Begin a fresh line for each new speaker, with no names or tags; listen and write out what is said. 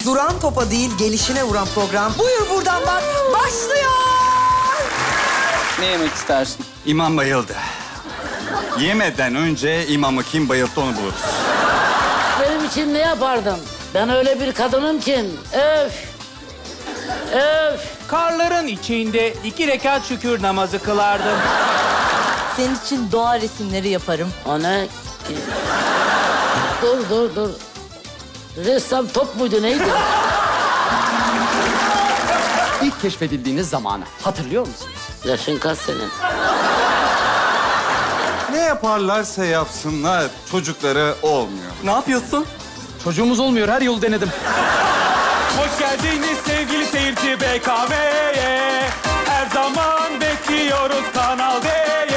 Duran topa değil, gelişine vuran program. Buyur buradan bak, başlıyor.
Ne yemek istersin?
İmam bayıldı. Yemeden önce imamı kim bayılttı onu buluruz.
Benim için ne yapardın? Ben öyle bir kadınım ki. Öf. Öf.
Karların içinde 2 rekat şükür namazı kılardım.
Senin için doğa resimleri yaparım.
O ne? Dur. Ressam top muydu neydi?
İlk keşfedildiğiniz zamanı hatırlıyor musunuz?
Yaşın kaç senin?
Ne yaparlarsa yapsınlar çocukları olmuyor.
Ne yapıyorsun? Çocuğumuz olmuyor, her yolu denedim.
Hoş geldiniz sevgili seyirci BKM'ye. Her zaman bekliyoruz Kanal D'ye.